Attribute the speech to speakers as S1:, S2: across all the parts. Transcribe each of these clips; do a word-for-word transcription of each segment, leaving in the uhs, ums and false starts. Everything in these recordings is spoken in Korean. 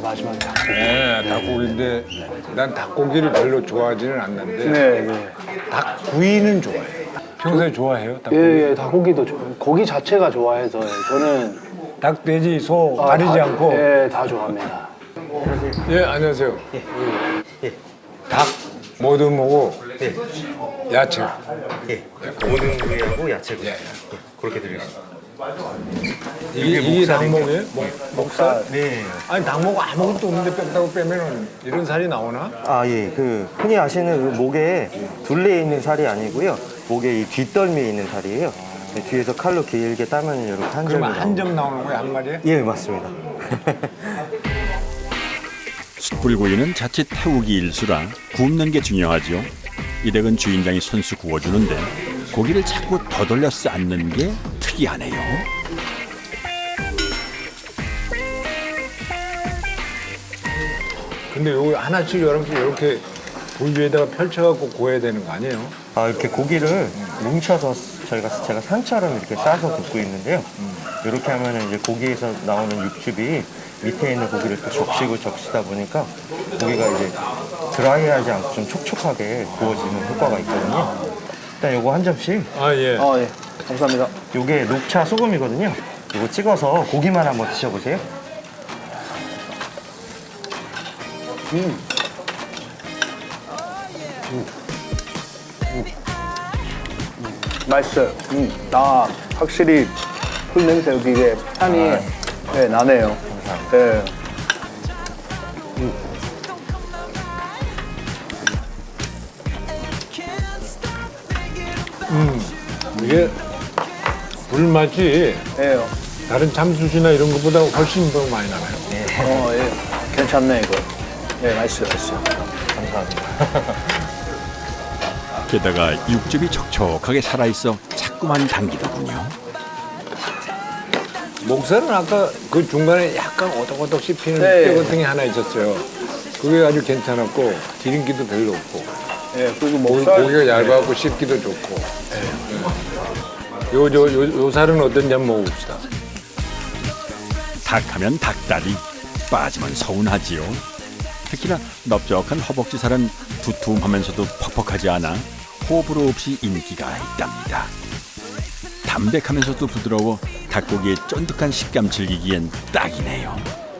S1: 마지막에 닭고기.
S2: 네, 닭고기인데 난 닭고기를 별로 좋아하지는 않는데
S1: 네, 네.
S2: 닭구이는 좋아해요. 평소에 좋아해요? 닭고기?
S1: 예, 예, 닭고기도 좋아요. 고기 자체가 좋아해서 저는
S2: 닭, 돼지, 소
S1: 아,
S2: 가리지
S1: 다,
S2: 않고.
S1: 예, 다 좋아합니다.
S2: 예, 안녕하세요.
S3: 예.
S2: 닭 모든 뭐고
S3: 예.
S2: 야채.
S3: 예. 모든 부위하고 야채고. 예. 그렇게 드리겠습니다.
S2: 이게, 이게 닭목이에요? 목, 목살?
S3: 네.
S2: 아니 닭목 아무것도 없는데 뺐다고 빼면은 이런 살이 나오나?
S3: 아, 예. 그 흔히 아시는 그 목에 둘레에 있는 살이 아니고요. 목에 이 뒷덜미에 있는 살이에요. 네, 뒤에서 칼로 길게 따면 이렇게 한 점이
S2: 그러면 한
S3: 나오고.
S2: 점 나오는 거야 한 마리에?
S3: 예, 맞습니다.
S4: 숯불구이는 자칫 태우기 일수라 굽는 게 중요하죠. 이 댁은 주인장이 손수 구워주는데 고기를 자꾸 더 돌려 쌓는 게 특이하네요.
S2: 근데 요거 하나씩 이렇게 이렇게 불 위에다가 펼쳐갖고 구워야 되는 거 아니에요?
S3: 아, 이렇게 고기를 뭉쳐서 저희가 제가 산처럼 이렇게 싸서 굽고 있는데요. 이렇게 하면 이제 고기에서 나오는 육즙이 밑에 있는 고기를 또 적시고 적시다 보니까 고기가 이제 드라이하지 않고 좀 촉촉하게 구워지는 효과가 있거든요. 일단 요거 한 점씩.
S2: 아 예.
S1: 아, 예. 감사합니다.
S3: 요게 녹차 소금이거든요. 요거 찍어서 고기만 한번 드셔보세요.
S1: 음. 맛있어요. 음. 아, 확실히 풀 냄새 여기 이게 향이 네, 나네요. 네.
S2: 이게 불맛이
S1: 네.
S2: 다른 참숯이나 이런 것보다 훨씬 더 많이 나와요.
S1: 어, 예. 괜찮네, 이거. 네, 맛있어요, 맛있어요.
S3: 감사합니다.
S4: 게다가 육즙이 촉촉하게 살아있어 자꾸만 당기더군요.
S2: 목살은 아까 그 중간에 약간 오덕오덕 씹히는
S1: 네.
S2: 뼈 같은 게 하나 있었어요. 그게 아주 괜찮았고 기름기도 별로 없고
S1: 예, 그리고
S2: 고-
S1: 목살.
S2: 고기가 얇아갖고 씹기도 좋고. 요, 요, 요, 요 살은 어떤지 한번 먹어봅시다.
S4: 닭하면 닭다리, 빠지면 서운하지요. 특히나 넓적한 허벅지 살은 두툼하면서도 퍽퍽하지 않아 호불호 없이 인기가 있답니다. 담백하면서도 부드러워 닭고기의 쫀득한 식감 즐기기엔 딱이네요.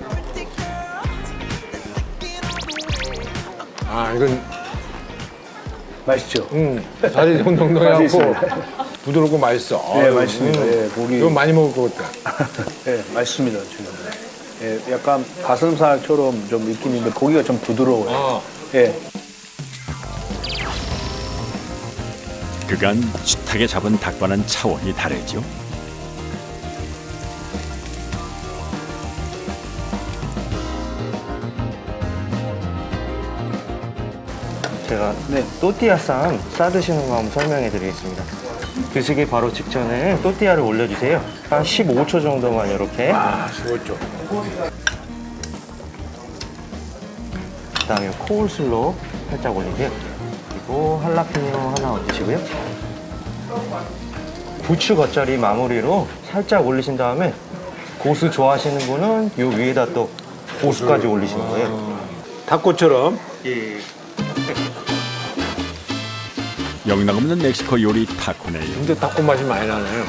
S2: 아 이건
S1: 맛있죠?
S2: 음, 살이 좀 동동해갖고
S1: 맛있습니다.
S2: 부드럽고 맛있어.
S1: 네,
S2: 아유,
S1: 맛있습니다. 예, 고기.
S2: 이거 많이 먹을 것 같다.
S1: 예, 맛있습니다, 지금. 예, 약간 가슴살처럼 좀 느낌인데 고기가 좀 부드러워요.
S2: 어.
S1: 예.
S4: 그간 숱하게 잡은 닭과는 차원이 다르죠.
S3: 제가
S1: 네.
S3: 또띠아쌈 싸드시는 거 한번 설명해 드리겠습니다. 드시기 바로 직전에 또띠아를 올려주세요. 한 십오 초 정도만 이렇게.
S2: 아, 쉬웠죠.
S3: 그 다음에 코울슬로 살짝 올리세요. 그리고 할라피뇨 하나 얹으시고요. 부추 겉절이 마무리로 살짝 올리신 다음에 고수 좋아하시는 분은 요 위에다 또 고수까지 올리시는 거예요.
S2: 닭고처럼.
S3: 예.
S4: 영락없는 멕시코 요리 타코네요.
S2: 근데 닭고 맛이 많이 나네요.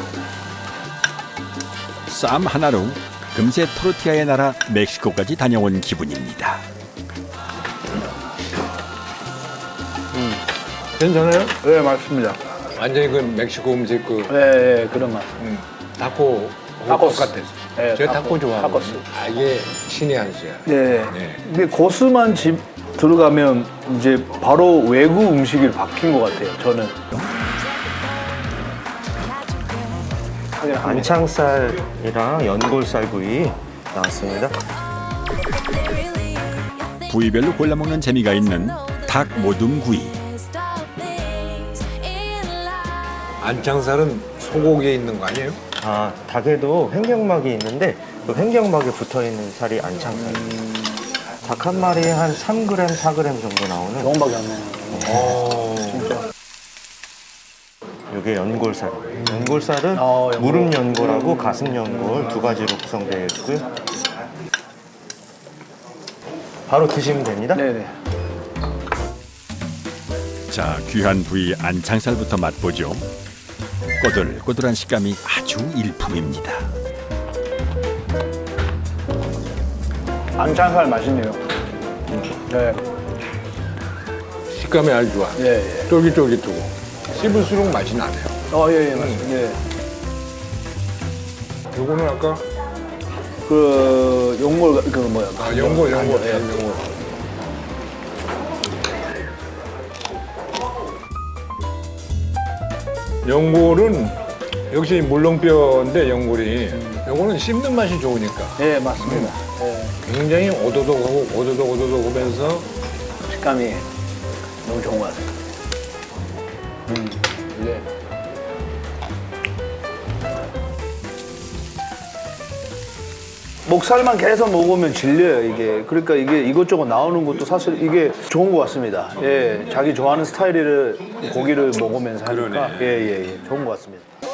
S4: 쌈 하나로 금세 토르티아의 나라 멕시코까지 다녀온 기분입니다.
S2: 괜찮아요?
S1: 네, 맛있습니다.
S2: 완전히 그 멕시코 음식 그
S1: 예, 예, 그런 맛.
S2: 음, 닭고
S1: 타코스.
S2: 똑같았어.
S1: 네,
S2: 제가
S1: 타코,
S2: 닭고 좋아하거든요.
S1: 타코스.
S2: 아, 이게 신의 한 수야.
S1: 네.
S2: 네.
S1: 근데 고수만 집 들어가면 이제 바로 외국 음식이 바뀐 것 같아요, 저는.
S3: 안창살이랑 연골살 구이 나왔습니다.
S4: 부위별로 골라 먹는 재미가 있는 닭 모둠구이.
S2: 안창살은 소고기에 있는 거 아니에요?
S3: 아, 닭에도 횡격막이 있는데 그 횡격막에 붙어있는 살이 안창살입니다. 닭 한 마리에 한 삼 그램, 사 그램 정도 나오는
S1: 조금밖에 안 나요.
S2: 어.
S3: 이게 연골살. 연골살은
S1: 어, 연골.
S3: 무릎 연골하고 가슴 연골 두 가지로 구성되어 있고요. 바로 드시면 됩니다.
S1: 네네.
S4: 자, 귀한 부위 안창살부터 맛보죠. 꼬들꼬들한 식감이 아주 일품입니다.
S1: 안창살 맛있네요. 네.
S2: 식감이 아주 좋아.
S1: 예, 예.
S2: 쫄깃쫄깃하고 씹을수록 맛이 나네요.
S1: 어, 예, 예, 맞습니다. 예.
S2: 요거는 아까
S1: 그 용골 그 뭐야?
S2: 아, 연골, 연골,
S1: 예.
S2: 연골. 연골은 역시 물렁뼈인데 연골이 요거는 씹는 맛이 좋으니까
S1: 예, 맞습니다. 예.
S2: 굉장히 오도독하고 오도독 오도독 하면서
S1: 식감이 너무 좋은 것 같아요. 음, 네. 목살만 계속 먹으면 질려요, 이게. 그러니까 이게 이것저것 나오는 것도 사실 이게 좋은 것 같습니다. 예, 자기 좋아하는 스타일의 고기를 먹으면서 하니까. 예, 예, 예. 좋은 것 같습니다.